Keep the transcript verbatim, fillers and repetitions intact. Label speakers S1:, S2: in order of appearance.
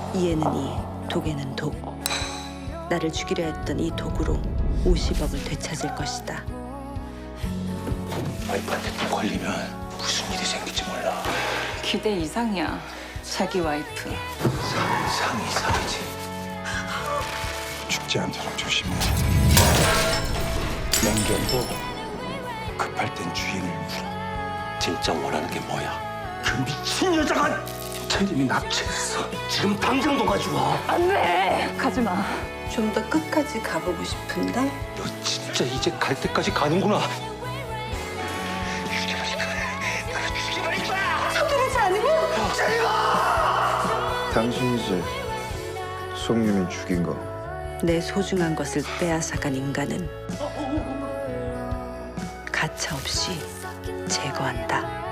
S1: 이에는 이, 독에는 독. 나를 죽이려 했던 이 독으로 오십억을 되찾을 것이다.
S2: 와이프한테 또 걸리면 무슨 일이 생길지 몰라.
S3: 기대 이상이야. 자기 와이프.
S2: 상상 이상이지.
S4: 죽지 않도록 조심해. 맹견도 급할 땐 주인을 물어.
S2: 진짜 원하는 게 뭐야? 그 미친 여자가 태림이 납치했어. 지금 당장 도가지고 와.
S3: 안 돼! 가지 마.
S1: 좀 더 끝까지 가보고 싶은데
S2: 너 진짜 이제 갈 때까지 가는구나.
S4: 당신이지 송유민 죽인 거.
S1: 내 소중한 것을 빼앗아간 인간은 가차없이 제거한다.